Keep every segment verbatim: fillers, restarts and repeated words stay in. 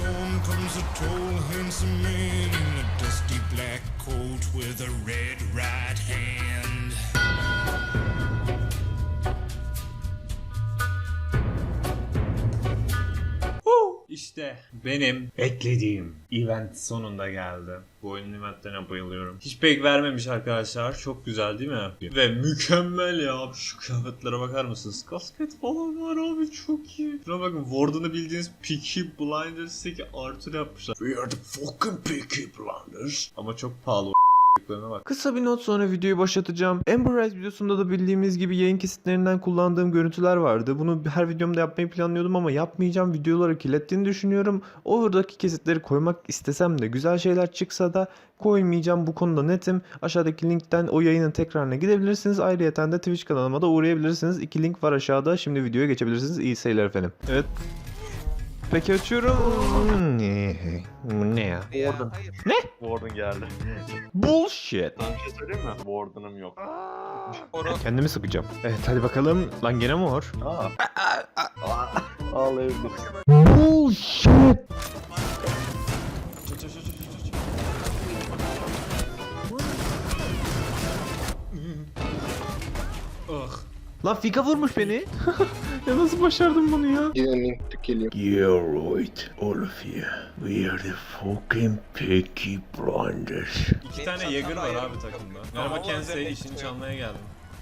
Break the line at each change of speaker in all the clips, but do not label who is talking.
along comes a tall, handsome man in a dusty black coat with a red right hand.
İşte benim beklediğim event sonunda geldi. Bu oyunun eventlerine bayılıyorum. Hiç pek vermemiş arkadaşlar. Çok güzel değil mi? Ve mükemmel ya. Şu kıyafetlere bakar mısınız? Kasket falan var abi, çok iyi. Şuna bakın, Warden'ı bildiğiniz Peaky Blinders'taki Arthur yapmışlar. We are the fucking Peaky Blinders. Ama çok pahalı. Bak.
Kısa bir not sonra videoyu başlatacağım. Amber Rise videosunda da bildiğimiz gibi yayın kesitlerinden kullandığım görüntüler vardı. Bunu her videomda yapmayı planlıyordum ama yapmayacağım. Videoları kirlettiğini düşünüyorum. Oradaki kesitleri koymak istesem de, güzel şeyler çıksa da koymayacağım. Bu konuda netim. Aşağıdaki linkten o yayının tekrarına gidebilirsiniz. Ayrıyeten de Twitch kanalıma da uğrayabilirsiniz. İki link var aşağıda. Şimdi videoya geçebilirsiniz. İyi seyirler efendim. Evet. Peki açıyorum. Ne? Ne ya?
Warden.
Ne?
Warden geldi.
Bullshit.
Sana bir şey söyleyeyim mi? Warden'ım yok.
Kendimi sıkacağım. Evet hadi bakalım. Lan gene mor.
Aa. Ağlayabilir.
Bullshit.
Ah.
Lan Fika vurmuş beni. Ya nasıl başardım bunu ya?
Didn't mean to kill you.
You're right, all of you. We are the fucking Peaky Blinders.
İki tane Jäger var abi takımda. Merhaba Kensei, işini çalmaya geldim.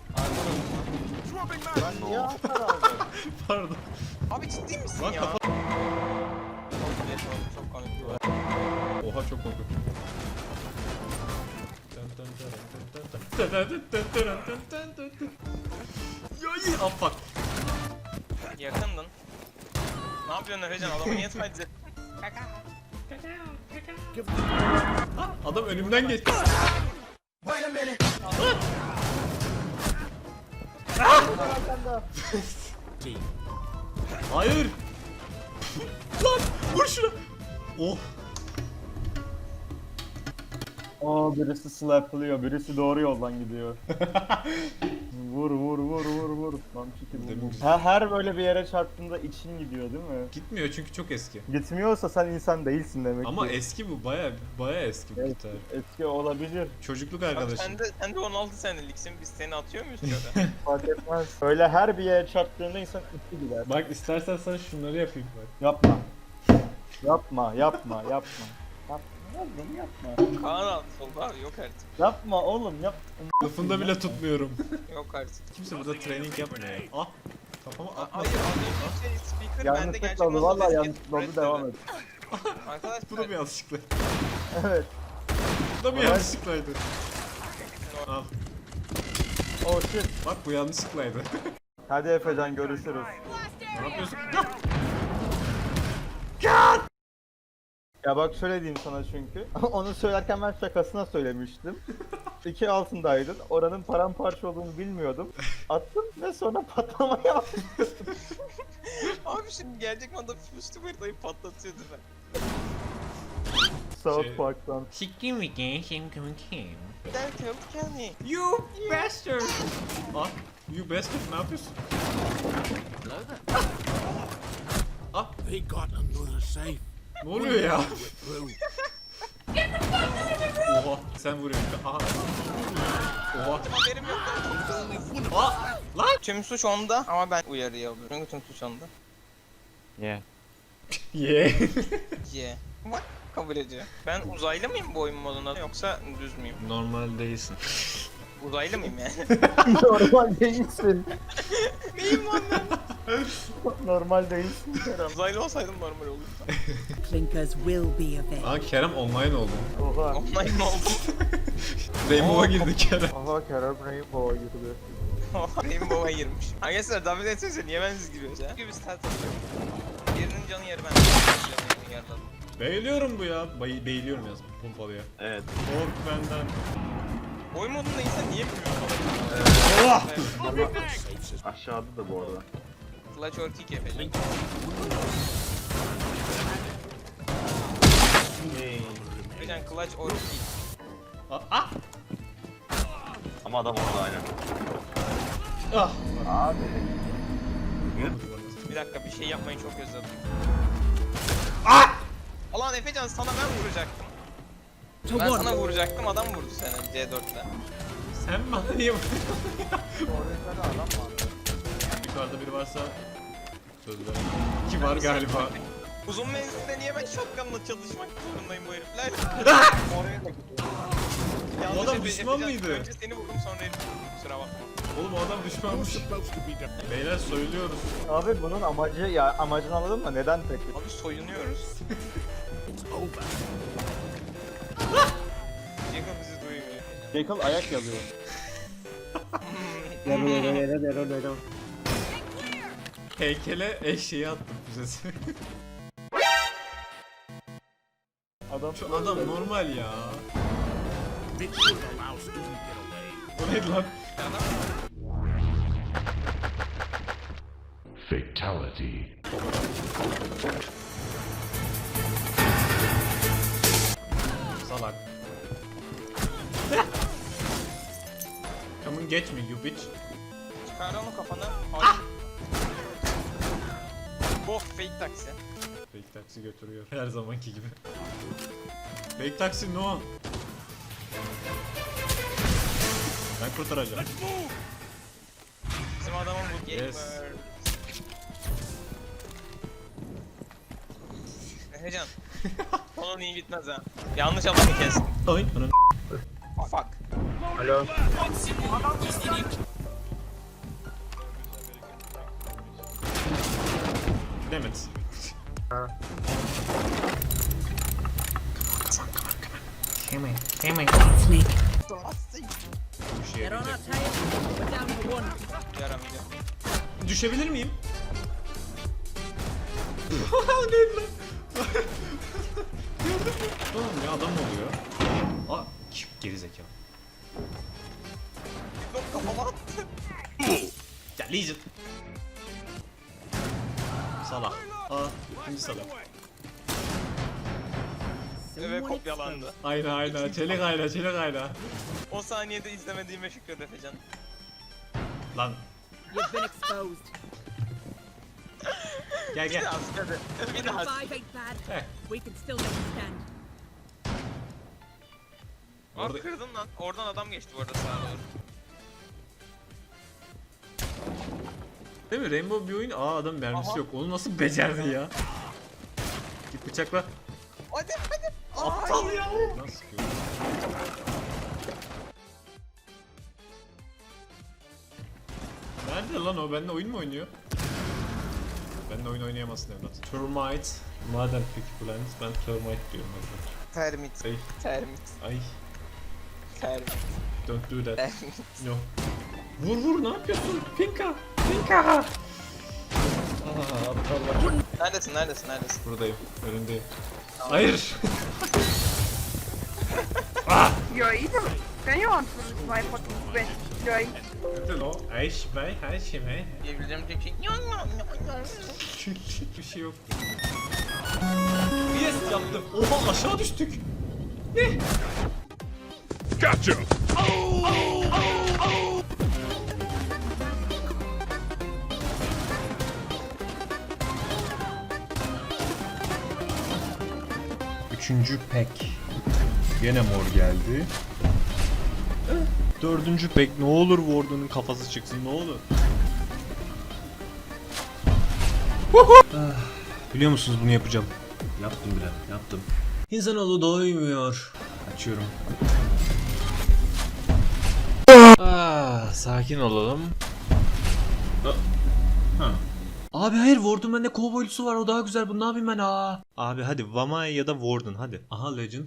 Ben niye hasar aldım?
Pardon.
Abi ciddi misin
Lan
ya?
kafa...
Çok komik.
Oha, çok korkunç. Yay! Ah fuck.
Yakındın. Ne yapıyorsun Efecan? Adamı niye taciz ettin?
Ah, adam önümden geçti. Ah! Hayır. Lan vur şuna. Oh.
Aa birisi slaplıyor, birisi doğru yoldan gidiyor. Vur vur vur vur vur. Lan çekil vur. Her, her böyle bir yere çarptığında için gidiyor değil mi?
Gitmiyor çünkü çok eski.
Gitmiyorsa sen insan değilsin demek
Ama
ki.
eski bu, baya baya eski bu
Evet,
gitar.
eski olabilir.
Çocukluk
Abi
arkadaşım.
sen de, sen de on altı seneliksin. Biz seni atıyor muyuz şöyle?
Fark etmez. Öyle her bir yere çarptığında insan içi gider.
Bak istersen sana şunları yapayım bak.
Yapma. Yapma, yapma, yapma. Yapma oğlum yapma.
Kaan abi solda abi yok artık.
Yapma oğlum yap.
Lafında bile tutmuyorum.
Yok artık.
Kimse burada training yapmıyor. Ah! Kafama
Aa,
atma.
Hayır az önce şey speaker bende
Yanlışlıkla
gerçekten
oldu. Valla
nasıl
yanlışlıkla oldu. Devam et.
Arkadaşlar
Bu da mı yanlışlıkla?
Evet.
Bu da mı
Evet.
yanlışlıklaydı? Al.
Oh shit.
Bak bu yanlışlıklaydı.
Hadi Efecan görüşürüz.
Ne yapıyorsun?
Ya bak şöyle diyeyim sana çünkü. Onu söylerken ben şakasına söylemiştim. İki altındaydın. Oranın paramparça olduğunu bilmiyordum. Attım ve sonra patlama yaptım.
Abi şimdi gelecek anda fıştı haritayı patlatıyordu ben.
South
Şey-
Park'tan.
Sikkim mi gençim kim?
Gel killed Kenny.
You bastard! Ah, you bastard, ne yapıyorsun? Ah,
They got another safe.
ne oluyor ya?
Through.
Oha, sen vuruyorsun. Aha. Oha.
Haberim yok.
Ah, lan!
Tüm suç onda ama ben uyarıyı alıyorum. Çünkü tüm suç onda.
Yeah.
Yeah. What? Kabul ediyor. Ben uzaylı mıyım bu oyun modunda yoksa düz müyüm?
Normal değilsin.
Uzaylı mıyım yani?
Normal değilsin.
Neyim lan ben?
Normal değilsin Kerem.
Uzaylı olsaydım normal olurdu.
Clinkers will be avenged.
Aa, Kerem online oldu.
Oha.
Online mi oldum?
Rainbow'a girdi Kerem.
Aha Kerem Rainbow'a girdi.
Rainbow'a girmiş. Arkadaşlar davet etsenize niye ben siz giriyoruz ya? Gibi start atıyorum. Birinin canı yarı ben. Canı yarıladım.
Beğiliyorum bu ya. Bay beğiliyorum yaz pompalıya.
Evet.
Kork benden.
Oyun modunda insan niye bilmiyor
Allah!
Evet.
Aşağıda da bu arada.
Clutch or kick yapacağım. Hocam clutch or kick.
Ah! Ah!
Ama adam orada aynen.
Ah!
Abi.
Bir dakika bir şey yapmayı çok özledim. Alan Efecan sana ben vuracaktım.
To
Ben
one.
sana vuracaktım adam vurdu seni C dörtte.
Sen bana niye vuruyorsun?
Orada da adam var.
Yukarıda biri varsa söz verin. İki var galiba.
Uzun menzilde niye ben shotgun'la çalışmak zorundayım bu herifler?
Oraya da gidiyor.
Yanlış
adam
Efe-
düşman
Efecan,
mıydı?
Önce seni vurdum sonra herifi vurdum kusura bakma.
Oğlum o adam düşmanmış. Beyler söylüyoruz.
Abi bunun amacı ya amacını anladın mı? Neden peki?
Abi soyunuyoruz. Jacob bizi duymuyor.
Jekyll ayak yazıyor.
Heykele eşeği attım füzesi.
Adam
Şu adam normal ya. O neydi lan?
Fatality.
Salak. Come on get me you bitch.
Çıkar onu kafana. Ah! Oh fake taksi.
Fake taksi götürüyor. Her zamanki gibi. Fake taksi no. Ben kurtaracağım.
Bizim adamın bu gamer.
Yes.
Efecan. Onun iyi bitmez ha. Yanlış adamı kes.
Ay anam.
Fuck.
Alo.
Damn it.
Snake.
Bir şey
Get on
yapacak.
our tail. We're down to one.
Yaramayacağım.
Düşebilir miyim? Neydi lan? Gördün mü? Oğlum ya adam mı oluyor? Aa, kim gerizekalı.
Yok kafama attı.
Ya Legion. Salak. Aa, ikinci salak.
Ve
Someone
kopyalandı.
Aynen aynen. Çelik ayna, çelik ayna.
O saniyede izlemediğime şükür Efecan.
Lan
You've been exposed.
gel
Bir
gel.
daha hadi. Bir daha.
Five ain't bad.
Heh.
We can still make a stand.
Aa
Orada-
kırdın lan. Oradan adam geçti bu arada sağa doğru.
Değil mi? Rainbow bir oyun. Aa adam mermisi
Aha.
yok. Onu nasıl becerdi ya? Git bıçakla.
Hadi hadi.
Aptal ya. Nasıl sıkıyor? Nerede lan o? Benimle oyun mu oynuyor? Benimle oyun oynayamazsın evlat. Termite. Madem peki Plant, ben Termite diyorum evlat.
Termit.
Ay,
Termit.
ay.
Termit.
Don't do that.
Termit.
No. Vur vur ne yapıyorsun? Pinka. Pinka. Aa, aptallar.
Neredesin neredesin neredesin?
Buradayım. Önündeyim. Hayır.
You're evil. Can you answer my fucking question? You're evil.
Nerede lan o? Ayş bey, her şey mi?
Diyebileceğim tek şey.
Bir şey yok. Yes yaptım. Oha aşağı düştük. Ne?
Gotcha!
Üçüncü pek. Gene mor geldi. Dördüncü pek. Ne olur Warden'ın kafası çıksın ne olur. Ah, biliyor musunuz bunu yapacağım. Yaptım bile yaptım.
İnsanoğlu doymuyor.
Açıyorum. Ah, sakin olalım. Ha. Abi hayır Warden bende kovboylusu var o daha güzel bunu ne yapayım ben aa. Abi hadi Vamaya ya da Warden hadi.
Aha Legend.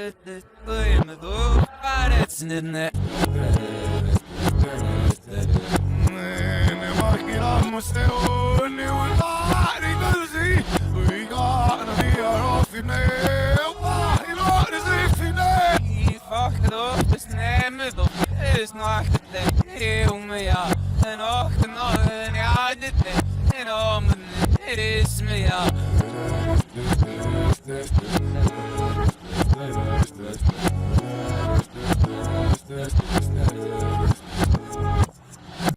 Me imaginamos